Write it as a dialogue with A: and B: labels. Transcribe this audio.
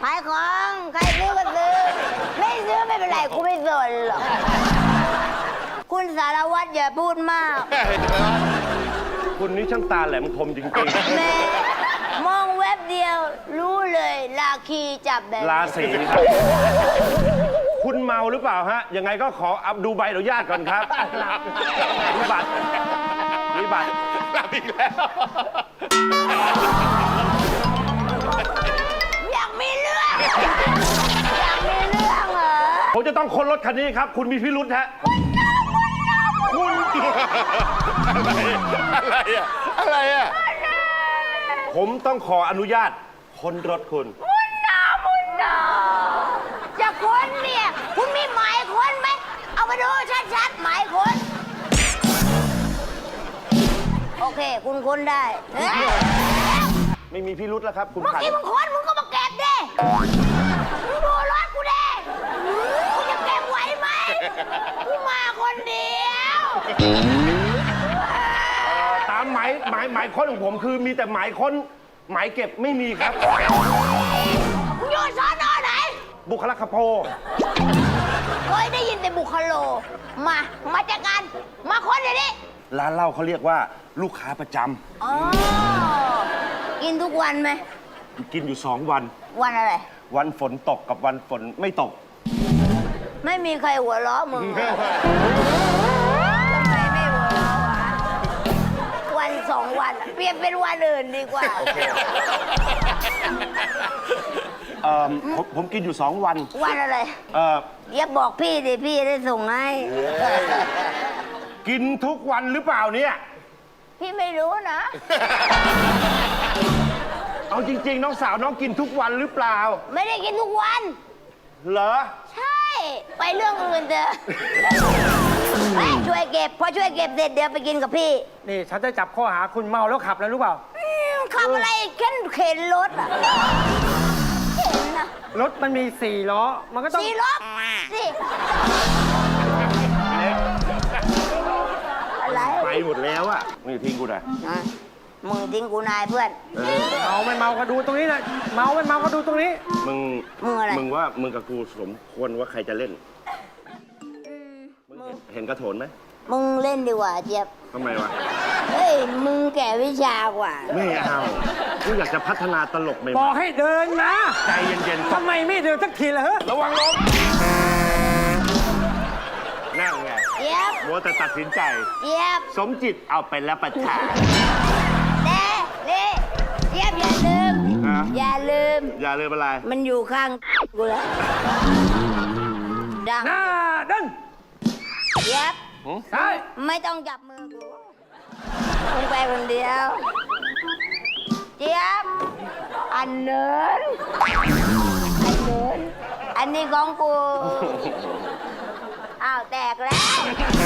A: ายของใครซื้อก็ซื้อไม่ซื้อไม่เป็นไรกูไม่สนหรอกคุณสารวัตรอย่าพูดมาก
B: คุณนี่ช่างตาแหลมคมจริง
A: แม่มองเว็บเดียวรู้เลยราคีจับแบบ
B: ๆราศีครับคุณเมาหรือเปล่าฮะยังไงก็ขออับดูใบอนุญาตก่อนครับมีบัตร
C: หลับอีกแล้ว
A: อยากมีเรื่องเหรอ
B: ผมจะต้องค้นรถคันนี้ครับคุณมีพิรุธฮะคุณ
C: อะไรอ่ะ
B: ผมต้องขออนุญาตค้นรถคุณ
A: มุนนาจะค้นเนี่ยคุณมีหมายค้นไหมเอามาดูชัดๆหมายค้นโอเคคุณค้นได้เฮ้ย
B: ไม่มีพิรุธแล้วครับคุณ
A: เมื่อ
B: ขัน
A: กี้มึงค้นมึงก็มาเก็บดิมึงดูรถกูดิกูจะเก็บไหวไหมกูมาคนเดียว
B: ตามหมายค้นของผมคือมีแต่หมายค้นหมายเก็บไม่มีครับ
A: มึงอยู่สอนอไหน
B: บุคลากรโพ
A: เคยได้ยินแต่บุคโลมาจากกันมาค้นเดี๋ยวนี้
B: ร้านเหล้าเขาเรียกว่าลูกค้าประจ
A: อ๋อกินทุกวันไหม
B: ำกินอยู่2 วัน
A: วันอะไร
B: วันฝนตกกับวันฝนไม่ตก
A: ไม่มีใครหัวเราะมึงทำไมไม่หัวเราะวะวัน2 วันเปลี่ยนเป็นวันอื่นดีกว่า
B: ผมกินอยู่2 วัน
A: วันอะไร อย่าบอกพี่ดิพี่ได้ส่งให้
B: กินทุกวันหรือเปล่าเนี่ย
A: พี่ไม่รู้นะ
B: เอาจริงๆ น้องสาวน้องกินทุกวันหรือเปล่า
A: ไม่ได้กินทุกวัน
B: เหรอ
A: ใช่ ไปเรื่องอื่นเถอะเฮ้ยช่วยเก็บพอช่วยเก็บเสร็จเดี๋ยวไปกินกับพี่
D: นี่ฉันจะจับข้อหาคุณเมาแล้วขับแล้วรู้เปล่า
A: ขับอะไรเข็นรถอ่ะเข็นนะ
D: รถมันมี4 ล้อ มันก็ต้อง
A: สี่รถสิอะไร
B: ไปหมดแล้วอะนี่ทิ้งกูหน่อย
A: อ่ะมึงทิ้งกูนายเพื่อน
D: เมาไม่เมาก็ดูตรงนี้นะเมาไม่เมาก็ดูตรงนี้
B: มึง
A: อะไร
B: มึงว่ามึงกับกูสมควรว่าใครจะเล่น มึงเห็นกระโถนไหม
A: มึงเล่นดีกว่าเจี๊ยบ
B: ทำไมวะ
A: เฮ้ย มึงแก่วิชากว่า
B: ไม่เอากูอยากจะพัฒนาตลกใหม่
D: บอกให้เดินนะ
B: ๆใจเย็นๆ
D: ทำไมไม่เดินสักทีล่ะเฮ้ย
B: ระวังล้มนั่งไง
A: เจี๊ยบ
B: มัวแต่ตัดสินใจ
A: เจี๊ยบ
B: สมจิตเอาไปแล้วประทาน
A: แต่นี่เจี๊ยบอย่าลืม
B: ฮะ
A: อย่าลืม
B: อย่าลืมอะไร
A: มันอยู่ข้างกูแล้วดัง
D: หน้าเดิน
A: เจี๊ยบ
D: ใช่
A: ไม่ต้องจับมือกูมึงไปคนเดียว เจี๊ยบ อันเนินอันนี้ของกู อ้าว แตกแล้ว